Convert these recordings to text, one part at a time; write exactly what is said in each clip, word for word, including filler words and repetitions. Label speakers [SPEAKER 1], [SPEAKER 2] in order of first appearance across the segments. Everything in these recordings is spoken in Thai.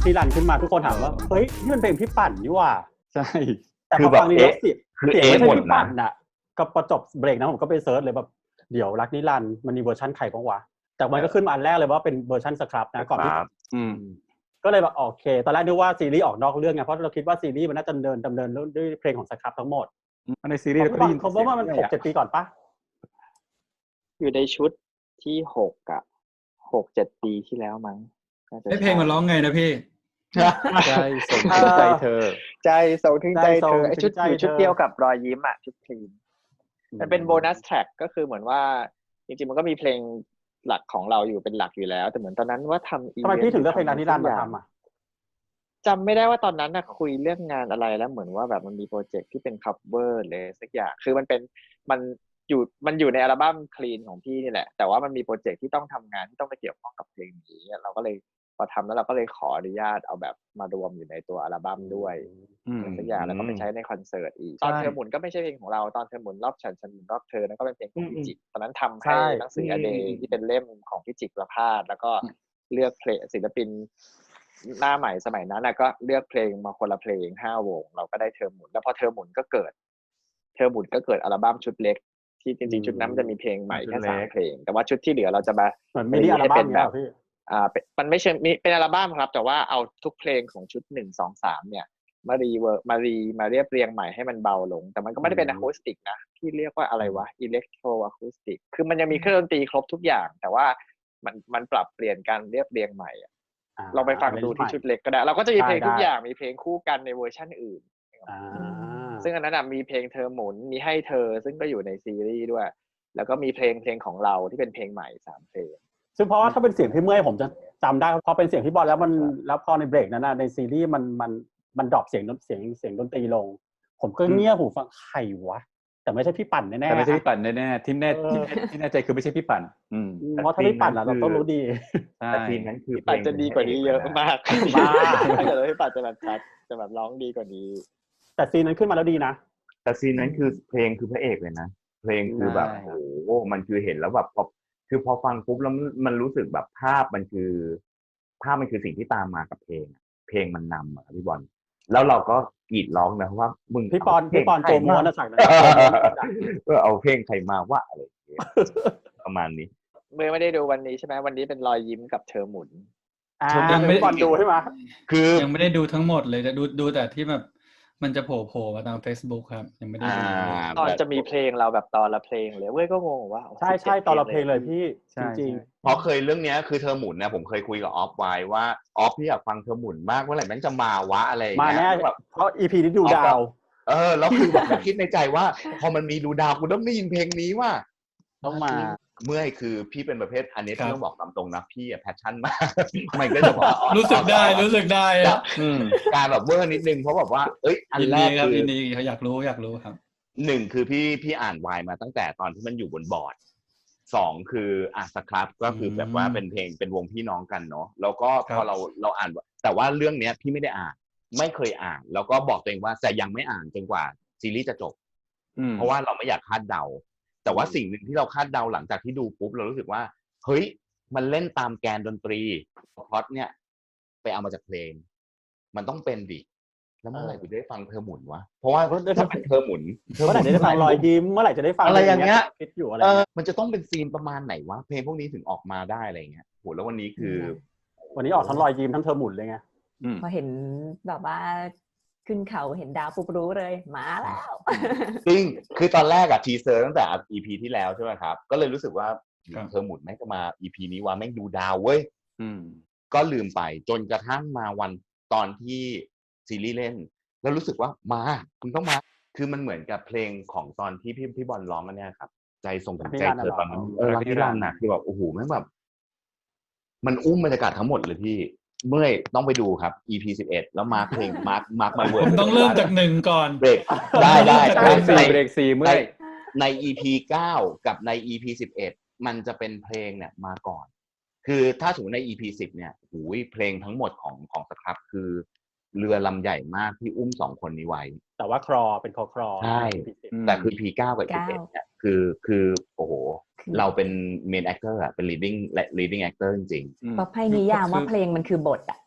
[SPEAKER 1] ที่รันขึ้นมาทุกคนถามว่าเฮ้ยนี่มันเพลงพี่ปั่นนี่ว่า
[SPEAKER 2] ใช่
[SPEAKER 1] แต่พอฟังนี้แล้วเสียงเสียงไม่ใช่พี่ปั่นน่ะก็พอจบเบรกนะผมก็ไปเซิร์ชเลยแบบเดี๋ยวรักนิรันดร์มันมีเวอร์ชันใครบ้างวะแต่มันก็ขึ้นมาอันแรกเลยว่าเป็นเวอร์ชันสครับนะก่อนที่ก็เลยแบบโอเคตอนแรกนึกว่าซีรีส์ออกนอกเรื่องไงเพราะเราคิดว่าซีรีส์มันน่าจะดำเนินดำเนินด้วยเพลงของสครับทั้งหมด
[SPEAKER 2] ในซีรีส์
[SPEAKER 1] ก็ได้ยินเขาบอกว่ามัน หกเจ็ด ปีก่อนปะ
[SPEAKER 3] อยู่ในชุดที่หกอ่ะหก เจ็ดปีที่แล้วมั้ง
[SPEAKER 4] ให้เพลงมันร้องไงนะพี่
[SPEAKER 2] ใจส่งถึงใจเธอ
[SPEAKER 3] ใจส่งถึงใจเธอไอ้ชุดอยู่ชุดเดียวกับรอยยิ้มอ่ะชุดคลีนมันเป็นโบนัสแทร็กก็คือเหมือนว่าจริงๆมันก็มีเพลงหลักของเราอยู่เป็นหลักอยู่แล้วแต่เหมือนตอนนั้นว่าทำอี
[SPEAKER 1] เวนต์ทำไมพี่ถึงเลือกเพลงนิรันดร์มาทำอ่ะ
[SPEAKER 3] จำไม่ได้ว่าตอนนั้นน่ะคุยเรื่องงานอะไรแล้วเหมือนว่าแบบมันมีโปรเจกต์ที่เป็นคัฟเวอร์เลยสักอย่างคือมันเป็นมันอยู่มันอยู่ในอัลบั้มคลีนของพี่นี่แหละแต่ว่ามันมีโปรเจกต์ที่ต้องทำงานที่ต้องไปเกี่ยวข้องกับเพลงนี้เราก็เลยพอทำแล้วเราก็เลยขออนุญาตเอาแบบมารวมอยู่ในตัวอัลบั้มด้วยสักอย่างแล้วก็ไปใช้ในคอนเสิร์ตอีกตอนเธอหมุนก็ไม่ใช่เพลงของเราตอนเธอหมุนรอบฉันฉันหมุนรอบเธอนั่นก็เป็นเพลงของพี่จิกตอนนั้นทำให้หนังสืออเดย์ที่เป็นเล่มของพี่จิกประภาสแล้วก็เลือกเพลงศิลปินหน้าใหม่สมัยนั้นนะก็เลือกเพลงมาคนละเพลงห้าวงเราก็ได้เธอหมุนแล้วพอเธอหมุนก็เกิดเธอหมุนก็เกิดอัลบั้มชุดเล็กที่จริงๆชุดนั้นมันจะมีเพลงใหม่แค่สามเพลงแต่ว่าชุดที่เหลือเราจะมา
[SPEAKER 1] ไม่ได้อัลบั้มแบบ
[SPEAKER 3] อ่ามันไม่ใช่มีเป็นอัลบั้มครับแต่ว่าเอาทุกเพลงของชุดหนึ่ง สอง สามเนี่ยมารีเวิร์มารีมาเรียบเรียงใหม่ให้มันเบาลงแต่มันก็ไม่ได้เป็นอะคูสติกนะที่เรียกว่าอะไรวะอิเล็กโทรอะคูสติกคือมันยังมีเครื่องดนตรีครบทุกอย่างแต่ว่ามันมันปรับเปลี่ยนการเรียบเรียงใหม่อ่ะเราไปฟังดูที่ชุดเล็กก็ได้เราก็จะมีเพลงทุกอย่างมีเพลงคู่กันในเวอร์ชันอื่นซึ่งอันนั้นมีเพลงเธอหมุนมีให้เธอซึ่งก็อยู่ในซีรีส์ด้วยแล้วก็มีเพลงเพลงของเราที่เป็นเพลงใหม่สามเพลง
[SPEAKER 1] ซึ่งเพราะว่าถ้าเป็นเสียงพี่เมื่อยผมจะจำได้พอเป็นเสียงพี่บอลแล้วมันแล้วพอในเบรกนั้นนะในซีรีส์มันมันมันดรอปเสียงเสียงเสียงดนตรีลงผมก็เงี่ยหูฟังใครวะแต่ไม่ใช่พี่ปั่นแน่ๆ
[SPEAKER 2] แต่ไม่ใช่พี่ปั่นแน่ๆที่แน่ที่ที่แน่ใจคือไม่ใช่พี่ปั่นอืม
[SPEAKER 1] เพราะถ้าพี่ปั่นเราต้องรู้ดี
[SPEAKER 2] แต่ซีนนั้นคือ
[SPEAKER 3] ปั่นจะดีกว่านี้เยอะมากมากถ้าเกิดพี่ปั่นจะแบบชัดจะแบบร้องดีกว่านี้
[SPEAKER 1] แต่ซีนนั้นขึ้นมาแล้วดีนะ
[SPEAKER 5] แต่ซีนนั้นคือเพลงคือพระเอกเลยนะเพลงคือแบบโอ้โหมันคือเห็นแล้วแบบพอคือพอฟังปุ๊บแล้วมันรู้สึกแบบภาพมันคือภาพมันคือสิ่งที่ตามมากับเพลงเพลงมันนำอ่ะพี่บอลแล้วเราก็กรีดร้องนะว่ามึง
[SPEAKER 1] พี่ปอนพี่ปอนโจมัวนะสั่งนะ
[SPEAKER 5] เออเอาเพลงใครมาว่าอะไรประมาณนี้
[SPEAKER 3] เมื่อไม่ได้ดูวันนี้ใช่ไหมวันนี้เป็นรอยยิ้มกับเธอหมุน
[SPEAKER 1] ยังไม่ได้ดูใช่ไหม
[SPEAKER 4] คือยังไม่ได้ดูทั้งหมดเลยจะดูดูแต่ที่แบบมันจะโผล่โผล่มาตาม Facebook ครับยังไม่ได้ดู
[SPEAKER 3] ตอนจะมีเพลงเราแบบตอนละเพลงเลยเว้ยก็งงว่า
[SPEAKER 1] ใช่ใช่ตอนละเพลงเลยพี่จริง
[SPEAKER 5] ๆเพราะเคยเรื่องนี้คือเธอหมุนนะผมเคยคุยกับออฟไว้ว่าออฟพี่อยากฟังเธอหมุนมากเมื่อไหร่แม่งจะมาวะอะไร
[SPEAKER 1] มาแน่แบบเพราะ อี พี นี้ดูดาว
[SPEAKER 5] เออแล้วคือแบบคิดในใจว่าพอมันมีดูดาวกูต้องได้ยินเพลงนี้ว่า
[SPEAKER 1] ต้องมา
[SPEAKER 5] เมื่อคือพี่เป็นประเภทอันนี้ต้องบอกตามตรงนะพี่แพชชั่นมากมันก็จะบอก
[SPEAKER 4] รู้สึกได้รู้สึกได้
[SPEAKER 5] การแบบเวอร์นิดนึงเพราะแบบว่าเอ้ยอันแรก
[SPEAKER 4] คืออินดี้เขาอยากรู้อยากรู้ครับ
[SPEAKER 5] หนึ่งคือพี่พี่อ่านวายมาตั้งแต่ตอนที่มันอยู่บนบอร์ดสองคืออ่ะสครับก็คือแบบว่าเป็นเพลงเป็นวงพี่น้องกันเนาะแล้วก็พอเราเราอ่านแต่ว่าเรื่องเนี้ยพี่ไม่ได้อ่านไม่เคยอ่านแล้วก็บอกตัวเองว่าจะยังไม่อ่านจนกว่าซีรีส์จะจบเพราะว่าเราไม่อยากคาดเดาแต่ว่าสิ่งหนึ่งที่เราคาดเดาหลังจากที่ดูปุ๊บเรารู้สึกว่าเฮ้ยมันเล่นตามแกนดนตรีพล็อตเนี่ยไปเอามาจากเพลงมันต้องเป็นดิแล้วเมื่อไหร่จะได้ฟังเธอหมุนวะเพราะว่าถ้าเป็นเธอหมุน
[SPEAKER 1] เมื่อไหร่จะได้ฟังรอยยิ้มเมื่อไหร่จะได้ฟัง
[SPEAKER 5] อะไรอย่างเงี้ย
[SPEAKER 1] คิดอยู่อะไร
[SPEAKER 5] มันจะต้องเป็นซีนประมาณไหนวะเพลงพวกนี้ถึงออกมาได้อะไรเงี้ยโหแล้ววันนี้คือ
[SPEAKER 1] วันนี้ออกทั้งรอยยิ้มทั้งเธอหมุนเลยไง
[SPEAKER 6] พอเห็นแบบว่าขึ้นเขาเห็นดาวปุ๊บรู้เลยมาแล้ว
[SPEAKER 5] จริงคือตอนแรกอะทีเซอร์ตั้งแต่ อี พี ที่แล้วใช่ไหมครับก็เลยรู้สึกว่าเธอหมุนแม่งจะมา อี พี นี้ว่าแม่งดูดาวเว้ยก็ลืมไปจนกระทั่งมาวันตอนที่ซีรีส์เล่นแล้วรู้สึกว่ามาคุณต้องมาคือมันเหมือนกับเพลงของตอนที่พี่พี่บอลร้องกันเนี่ยครับใจส่งถึงใจเธอตอนนั้นเออรักนิรันดร์นะคือแบบโอ้โหแม่งแบบมันอุ้มบรรยากาศทั้งหมดเลยพี่เมื่อต้องไปดูครับ อี พี สิบเอ็ดแล้วมาร์คเพลงมาร์คมาร์คมาเวิร์ด
[SPEAKER 4] ต้องเริ่มจากหนึ่งก่อน
[SPEAKER 5] เบรกได้ได้
[SPEAKER 2] เบรกสี่เบรกสี่เมื่อ
[SPEAKER 5] ใน อี พี เก้ากับใน อี พี สิบเอ็ดมันจะเป็นเพลงเนี่ยมาก่อนคือถ้าสมมติใน อี พี สิบเนี่ยโอ้ยเพลงทั้งหมดของของสครับคือเรือลำใหญ่มากที่อุ้มสองคนนี้ไว้
[SPEAKER 1] แต่ว่าครอเป็นคอครอ
[SPEAKER 5] ใช่แต่คือ อี พี เก้า กับ สิบเอ็ดเนี่ยคือคือโอ้โหเราเป็น main actor อ่ะเป็น leading leading actor จริง
[SPEAKER 6] ๆประเภทนิยามว่าเพลงมันคือบทอ่ะ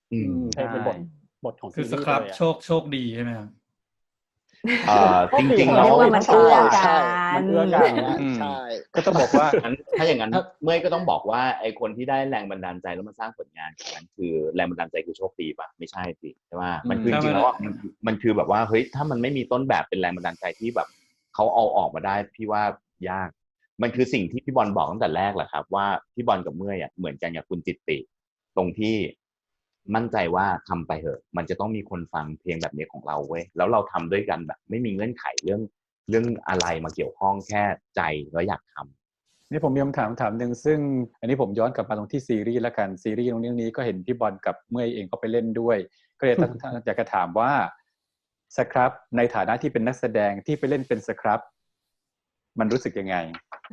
[SPEAKER 5] อืม
[SPEAKER 1] เพลงเป็นบทบทของ
[SPEAKER 4] คือ
[SPEAKER 1] ซี
[SPEAKER 4] ส
[SPEAKER 1] รีส์
[SPEAKER 4] ครับ
[SPEAKER 1] เลยอะ
[SPEAKER 4] โชคโชคดีใช่ไหมครับ
[SPEAKER 5] เอ่อจริงๆ
[SPEAKER 6] เรี
[SPEAKER 5] แล้
[SPEAKER 6] ยว กว่ามันเอื้อกั
[SPEAKER 3] ใช่
[SPEAKER 6] น
[SPEAKER 1] มันเอื้อกัน
[SPEAKER 2] อืม
[SPEAKER 3] ใช่
[SPEAKER 2] ก็ต้องบอกว่า
[SPEAKER 5] งั้นถ้าอย่างนั้นเมื่อยก็ต้องบอกว่าไอ้คนที่ได้แรงบันดาลใจแล้วมาสร้างผลงานนั้นคือแรงบันดาลใจคือโชคดีป่ะไม่ใช่สิใช่ป่ะมันคือจริงๆแล้วมันมันคือแบบว่าเฮ้ยถ้ามันไม่มีต้นแบบเป็นแรงบันดาลใจที่แบบเขาเอาออกมาได้พี่ว่ายากมันคือสิ่งที่พี่บอลบอกตั้งแต่แรกแหละครับว่าพี่บอลกับเมื่อยอ่ะเหมือนกันกับคุณจิตติตรงที่มั่นใจว่าทำไปเถอะมันจะต้องมีคนฟังเพลงแบบนี้ของเราเว้ยแล้วเราทำด้วยกันแบบไม่มีเงื่อนไขเรื่องเรื่องอะไรมาเกี่ยวข้องแค่ใจแล้วอยากทำ
[SPEAKER 2] นี่ผมมีคำถามถามหนึ่งซึ่งอันนี้ผมย้อนกลับมาตรงที่ซีรีส์ละกันซีรีส์ตรงเรื่องนี้ก็เห็นพี่บอลกับเมื่อยเองก็ไปเล่นด้วยก็เลยตั้ง อยากจะถามว่าสครับในฐานะที่เป็นนักแสดงที่ไปเล่นเป็นสครับมันรู้สึกยังไง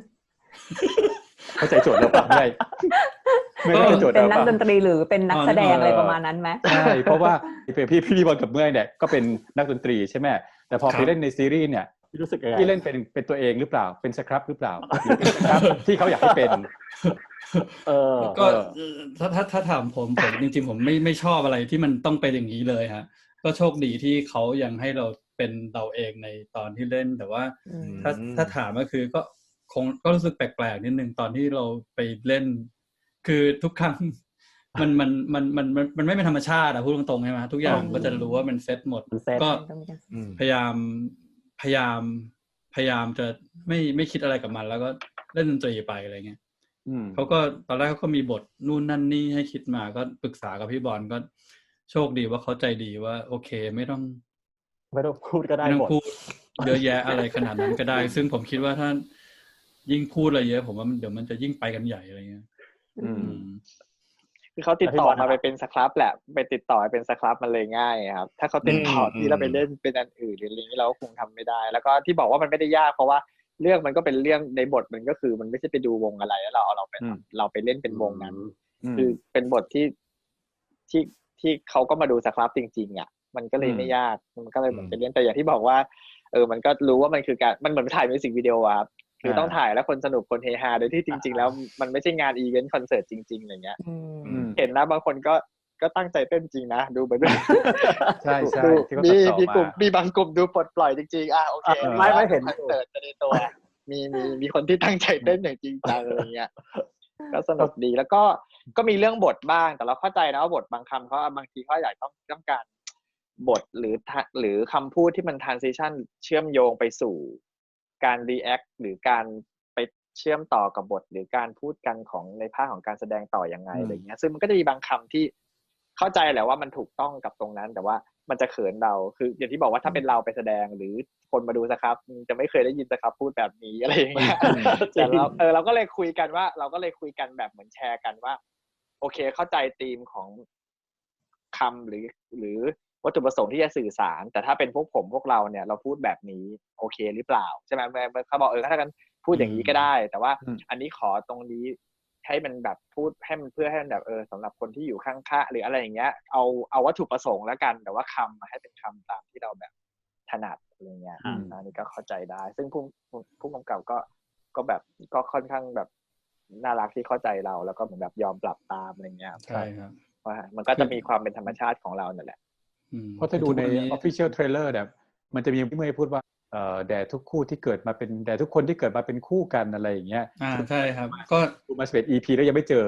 [SPEAKER 2] เข้าใจโจทย์เราปะไม่ไม่เข้าใจโจทย์
[SPEAKER 6] เป็น
[SPEAKER 2] เรา
[SPEAKER 6] นัก
[SPEAKER 2] ปะ
[SPEAKER 6] ดนตรีหรือเป็นนักแสดงอะไรประมาณนั้นไหม
[SPEAKER 2] ใช่เพราะว่าพี่พี่พี่บอลกับเมื่อยเนี่ยก็เป็นนักดนตรีใช่ไหมแต่พอไปเล่นในซีรีส์เนี่ย
[SPEAKER 1] รู้สึกยังไง
[SPEAKER 2] พี่เล่นเป็นเป็นตัวเองหรือเปล่าเป็นสครับหรือเปล่าหรือเป็นสครับที่เขาอยากให้เป็น
[SPEAKER 1] เออ
[SPEAKER 4] ก็ถ้าถ้าถ้าถามผมผมจริงๆผมไม่ไม่ชอบอะไรที่มันต้องเป็นอย่างนี้เลยฮะก็โชคดีที่เขายังให้เราเป็นเราเองในตอนที่เล่นแต่ว่าถ้าถ้าถามก็คือก็คงก็รู้สึกแปลกๆนิดนึงตอนที่เราไปเล่นคือทุกครั้งมันมันมันมันมันมันไม่เป็นธรรมชาติอะพูดตรงๆใช่ไหมทุกอย่างก็จะรู้ว่ามันเซตหมดก็พยายามพยายามพยายามจะไม่ไม่คิดอะไรกับมันแล้วก็เล่นดนตรีไปอะไรเงี้ยเขาก็ตอนแรกเขาก็มีบทนู่นนั่นนี่ให้คิดมาก็ปรึกษากับพี่บอลก็โชคดีว่าเขาใจดีว่าโอเคไม่ต้อง
[SPEAKER 1] ไม่ต้องพูดก็ได้
[SPEAKER 4] ไม่ต้อ
[SPEAKER 1] หมด
[SPEAKER 4] งพูดเยอะแยะอะไรขนาดนั้นก็ได้ ซึ่งผมคิดว่าถ้ายิ่งพูดอะไรเยอะผมว่ามันเดี๋ยวมันจะยิ่งไปกันใหญ่อะไรเงี้ย
[SPEAKER 2] อืม
[SPEAKER 3] คือเขาติดต่อมาไปเป็นสครับแหละไปติดต่อไปเป็นสครับมันเลยง่ายครับถ้าเขาติดต่อที่เราไปเล่นเป็นอันอื่นหรืออะไรนี้เราก็คงทำไม่ได้แล้วก็ที่บอกว่ามันไม่ได้ยากเพราะว่าเรื่องมันก็เป็นเรื่องในบทมันก็คือมันไม่ใช่ไปดูวงอะไรแล้วเราเอาเราไปเราไปเล่นเป็นวงนั้นคือเป็นบทที่ที่ที่เขาก็มาดูสครับจริงๆอ่ะมันก็เลยไม่ยากมันก็เลยเหมือนไปเล่นแต่อย่างที่บอกว่าเออมันก็รู้ว่ามันคือการมันเหมือนถ่ายมิวสิกวิดีโอครับคือต้องถ่ายแล้วคนสนุกคนเฮฮาโดยที่จริงๆแล้วมันไม่ใช่งานอีเวนต์คอนเสิร์ตจริงๆอะไรเงี้ยเห็นนะบางคนก็ก็ตั้งใจเต้นจริงนะดูไปด้วย
[SPEAKER 2] ใช่ใช่ที่เขาตั
[SPEAKER 3] มี
[SPEAKER 2] ดต่อ
[SPEAKER 3] มีกลุ่ม
[SPEAKER 2] มา
[SPEAKER 3] มีบางกลุ่มดูปลดปล่อยจริงๆอ่ะโอเค
[SPEAKER 1] ไม่ไม่เห็น
[SPEAKER 3] คอนเสิร์ตในตัวมีมีมีคนที่ตั้งใจเต้นอย่างจริงจังอะไรเงี้ยก็สนุกดีแล้วก็ก็มีเรื่องบทบ้างแต่เราเข้าใจนะว่าบทบางคำเขาบางทีเขาอยากต้องต้องการบทหรือหรือคำพูดที่มัน transition เชื่อมโยงไปสู่การ react หรือการไปเชื่อมต่อกับบทหรือการพูดกันของในภาคของการแสดงต่อยังไงอะไรเงี้ยซึ่งมันก็จะมีบางคำที่เข้าใจแหละว่ามันถูกต้องกับตรงนั้นแต่ว่ามันจะเขินเราคืออย่างที่บอกว่าถ้าเป็นเราไปแสดงหรือคนมาดูสครับจะไม่เคยได้ยินสครับพูดแบบนี้อะไรอย่างเงี้ยแต่เราเออเราก็เลยคุยกันว่าเราก็เลยคุยกันแบบเหมือนแชร์กันว่าโอเคเข้าใจธีมของคำหรือหรือวัตถุประสงค์ที่จะสื่อสารแต่ถ้าเป็นพวกผมพวกเราเนี่ยเราพูดแบบนี้โอเคหรือเปล่าใช่ไหมเขาบอกเออถ้ากันพูดอย่างนี้ก็ได้แต่ว่าอันนี้ขอตรงนี้ให้มันแบบพูดให้มันเพื่อให้มันแบบเออสำหรับคนที่อยู่ข้างๆหรืออะไรอย่างเงี้ยเอาเอาวัตถุประสงค์แล้วกันแต่ว่าคำมาให้เป็นคำตามที่เราแบบถนัดอะไรเงี้ยอันนี้ก็เข้าใจได้ซึ่งผู้ผู้กำกับก็ก็แบบก็ค่อนข้างแบบน่ารักที่เข้าใจเราแล้วก็เหมือนแบบยอมปรับตามอะไรเงี้ย
[SPEAKER 4] ใช่ครับ
[SPEAKER 3] ว่ามันก็จะมีความเป็นธรรมชาติของเรานั่นแหละ
[SPEAKER 2] เพราะถ้าดูใน official trailer เนี่ยมันจะมีพี่เมย์พูดว่าเอ่อแด่ทุกคู่ที่เกิดมาเป็นแด่ทุกคนที่เกิดมาเป็นคู่กันอะไรอย่างเงี้ย
[SPEAKER 4] อ่าใช่ครับก็
[SPEAKER 2] ดูมาสิบเอ็ด อี พี แล้วยังไม่เจอ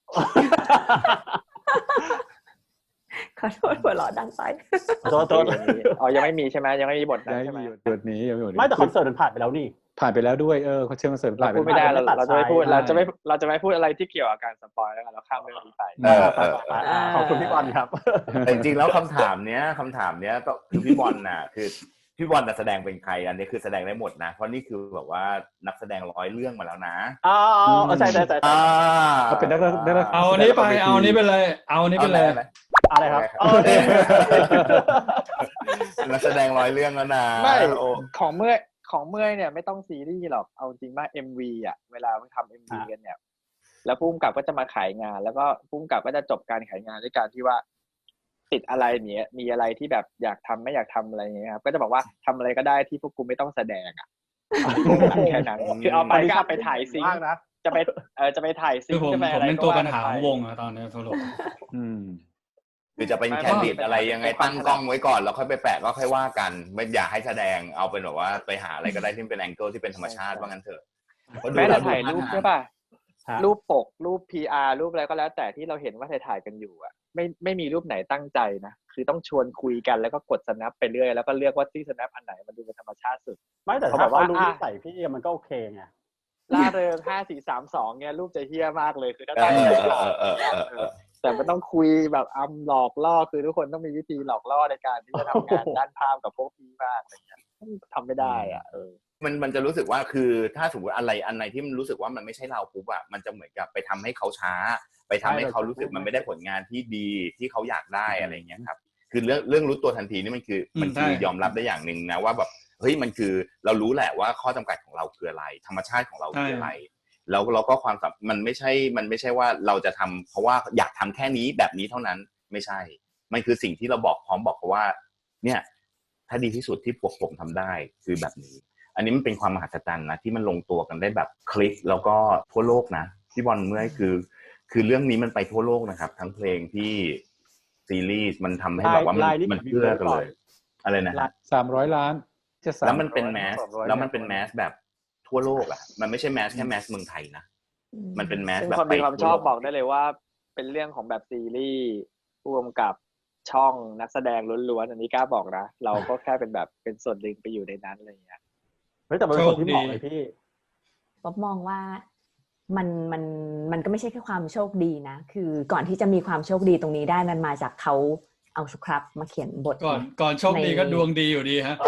[SPEAKER 6] ขอโทษหัวเราะดังไป
[SPEAKER 1] โทษโทษ
[SPEAKER 3] อ๋อยังไม่มีใช่ไหมยังไม่มีบทนั้นใช่ไหม
[SPEAKER 2] บทนี้ยังไม่มี
[SPEAKER 1] ไม่แต่คอนเสิร์ตมันผ่านไปแล้วนี่
[SPEAKER 2] ผ่านไปแล้วด้วยเออเขาเชิญคอนเสิร์ตผ่านไป
[SPEAKER 3] ไม่ได้เราเราจะไม่พูดเราจะไม่เราจะไม่พูดอะไรที่เกี่ยวกับการสปอยแล้วกันเราข้ามเรื่องนี้ไป
[SPEAKER 1] ขอบคุณพี่บอลครับ
[SPEAKER 5] แต่จริงๆแล้วคำถามเนี้ยคำถามเนี้ยก็คือพี่บอลน่ะคือพี่บอลจะแสดงเป็นใครอันนี้คือแสดงได้หมดนะเพราะนี่คือแบบว่านักแสดงร้อยเรื่องมาแล้วนะ
[SPEAKER 1] อ๋อใช่ใช่ใช่
[SPEAKER 2] เขาเป็นนักนัก
[SPEAKER 4] เอานี้ไปเอานี้ไปเลยเอานี้ไปเลย
[SPEAKER 1] อะไรครับ
[SPEAKER 5] นักแสดงร้อยเรื่องแล้วนะ
[SPEAKER 3] ไม่ของเมื่อของเมื่อยเนี่ยไม่ต้องซีรีส์หรอกเอาจริงว่า เอ็ม วี อ่ะเวลาทำ เอ็ม วี กันเนี่ยแล้วผู้กำกับก็จะมาขายงานแล้วก็ผู้กำกับก็จะจบการขายงานด้วยการที่ว่าติดอะไรเนี้ยมีอะไรที่แบบอยากทำไม่อยากทำอะไรเงี้ยครับก็จะบอกว่าทำอะไรก็ได้ที่พวกกูไม่ต้องแสดงอ่ะแค่นั้นคือเอาไปก็เอาไปถ่ายซิงนะจะไปเออจะไปถ่ายซิง
[SPEAKER 4] ใช่ไหมอะไรผมเป็นตัวปัญหาของวงอะตอนนี้สรุป
[SPEAKER 5] จคือจะเป็นแคนดิดอะไรยังไงตั้งกล้องไว้ก่อนแล้วค่อยไปแปะก็ค่อยว่ากันไม่อยากให้แสดงเอาเป็นแบบว่าไปหาอะไรก็ได้ที่เป็นแองเกิลที่เป็นธรรมชาติว่างั้นเถอะ
[SPEAKER 3] แม้แต่ถ่ายรูปใช่ป่ะรูปปกรูป พี อาร์ รูปอะไรก็แล้วแต่ที่เราเห็นว่าถ่ายๆกันอยู่อ่ะไม่ไม่มีรูปไหนตั้งใจนะคือต้องชวนคุยกันแล้วก็กด snap ไปเรื่อยแล้วก็เลือกว่าที่ snap อันไหนมันดูเป็นธรรมชาติสุด
[SPEAKER 1] ไม่แต่ถ้าเขารู้นิสัยพี่มันก็โอเคไง
[SPEAKER 3] ล่าเริงห้า สี่ สาม สองเนี่ยรูปจะเฮี้ยมากเลยคือถ้าตั้งใจแต่มันต้องคุยแบบอำหลอกล่อคือทุกคนต้องมีวิธีหลอกล่อในการที่จะทำงานด้านภาพกับพวกพี่มากอะไรเงี้ยทำไม่ได้อ่ะเออ
[SPEAKER 5] มันมันจะรู้สึกว่าคือถ้าสมมติอะไรอันไหนที่มันรู้สึกว่ามันไม่ใช่เราปุ๊บอะมันจะเหมือนกับไปทำให้เขาช้าไปทำให้เขารู้สึกมันไม่ได้ผลงานที่ดีที่เขาอยากได้อะไรเงี้ยครับคือเรื่องเรื่องรู้ตัวทันทีนี่มันคือมันคือยอมรับได้อย่างหนึ่งนะว่าแบบเฮ้ยมันคือเรารู้แหละว่าข้อจำกัดของเราคืออะไรธรรมชาติของเราคืออะไรแล้วเราก็ความมันไม่ใช่มันไม่ใช่ว่าเราจะทำเพราะว่าอยากทำแค่นี้แบบนี้เท่านั้นไม่ใช่มันคือสิ่งที่เราบอกพร้อมบอกเขาว่าเนี่ยถ้าดีที่สุดที่พวกผมทำได้คือแบบนี้อันนี้มันเป็นความมหัศจรรย์นะที่มันลงตัวกันได้แบบคลิกแล้วก็ทั่วโลกนะที่บอลเมื่อคือคือเรื่องนี้มันไปทั่วโลกนะครับทั้งเพลงที่ซีรีส์มันทำให้แบบว่ามันมันเพื่อกันเลยอะไรนะ
[SPEAKER 2] สามร้อยล้าน
[SPEAKER 5] แล้วมันเป็นแมสแล้วมันเป็นแมสแบบทั่วโลกอ่ะมันไม่ใช่แมสแค่แมสเมืองไทยนะมันเป็นแมสแบบ
[SPEAKER 3] คนมีความชอบบอกได้เลยว่าเป็นเรื่องของแบบซีรีส์ร่วมกับช่องนักแสดงล้วนๆอันนี้กล้าบอกนะเราก็แค่เป็นแบบเป็นส่วนหนึ่งไปอยู่ในนั้นอะไรอย่างเงี้ย
[SPEAKER 1] เฮ้ยแต่เป็นคนที่เหมาะเลยพี่
[SPEAKER 6] ป๊อบมองว่ามันมันมันก็ไม่ใช่แค่ความโชคดีนะคือก่อนที่จะมีความโชคดีตรงนี้ได้มันมาจากเขาเอาสครับมาเขียนบท
[SPEAKER 4] ก่อนก่อนโชคดีก็ดวงดีอยู่ดีฮะ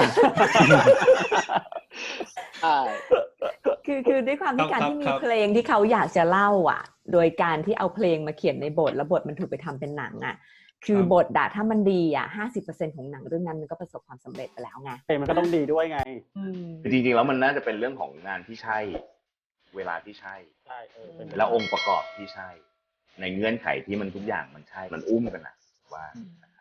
[SPEAKER 6] ใช่คือคือด้วยความที่การที่มีเพลงที่เขาอยากจะเล่าอ่ะโดยการที่เอาเพลงมาเขียนในบทแล้วบทมันถูกไปทำเป็นหนังอ่ะคือบทด่าถ้ามันดีอ่ะ ห้าสิบเปอร์เซ็นต์ ของหนังเรื่องนั้นมันก็ประสบความสำเร็จไปแล้วไง
[SPEAKER 1] เพลงมันก็ต้องดีด้วยไง
[SPEAKER 5] จริงๆแล้วมันน่าจะเป็นเรื่องของงานที่ใช่เวลาที่ใช่
[SPEAKER 1] ใช่เออ
[SPEAKER 5] แล้วองค์ประกอบที่ใช่ในเงื่อนไขที่มันทุกอย่างมันใช่มันอุ้มกันนะว่า